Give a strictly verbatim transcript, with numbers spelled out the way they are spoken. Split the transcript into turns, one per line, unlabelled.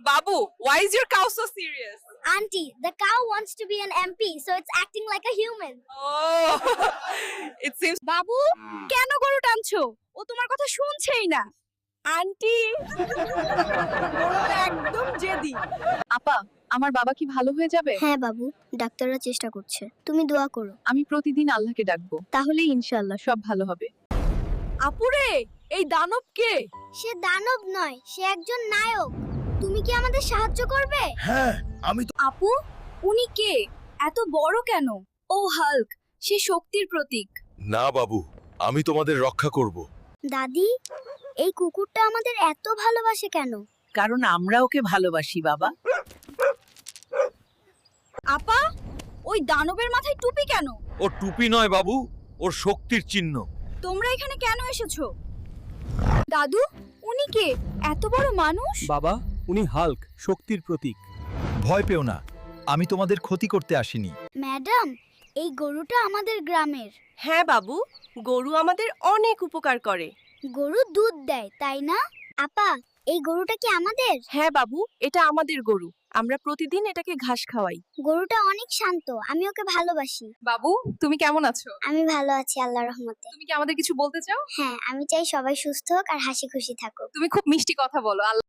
Babu, why is your cow so serious?
Auntie, the cow wants to be an M P, so it's acting like a human.
Oh, it seems.
বাবু, কেন গরু টানছো? ও তোমার কথা শুনছেই না।
Aunty একদম জেদি।
আপা, আমার বাবা কি ভালো হয়ে যাবে?
হ্যাঁ বাবু, ডাক্তাররা চেষ্টা করছে। তুমি দোয়া করো।
আমি প্রতিদিন আল্লাহকে ডাকবো, তাহলেই ইনশাআল্লাহ সব ভালো হবে।
আপুরে, এই দানব কে?
সে দানব নয়, সে একজন নায়ক। তুমি কি আমাদের সাহায্য করবে?
হ্যাঁ, আমি তো
আপু, উনি কে? এত বড় কেন?
ও হাল্ক, সে শক্তির প্রতীক।
না বাবু, আমি তোমাদের রক্ষা করব।
দাদি, এই কুকুরটা আমাদের এত ভালোবাসে কেন?
কারণ আমরা ওকে ভালোবাসি বাবা।
আপা, ওই দানবের মাথায় টুপি কেন?
ও টুপি নয় বাবু, ওর শক্তির চিহ্ন।
তোমরা এখানে কেন এসেছো? দাদু, উনি কে? এত বড় মানুষ?
বাবা, উনি হাল্ক, শক্তির প্রতীক। ভয় পেও না, আমি তোমাদের ক্ষতি করতে আসিনি।
ম্যাডাম, এই গরুটা আমাদের গ্রামের।
হ্যাঁ বাবু, গরু আমাদের অনেক উপকার করে।
গরু দুধ দেয়, তাই না? আপা, এই গরুটা কি আমাদের?
হ্যাঁ বাবু, এটা আমাদের গরু। আমরা প্রতিদিন এটাকে ঘাস খাওয়াই।
গরুটা অনেক শান্ত, আমি ওকে ভালোবাসি।
বাবু, তুমি কেমন আছো?
আমি ভালো আছি আল্লাহর রহমতে।
তুমি কি আমাদের কিছু বলতে চাও?
হ্যাঁ, আমি চাই সবাই সুস্থ হোক আর হাসি খুশি থাকুক।
তুমি খুব মিষ্টি কথা বলো। আল্লাহ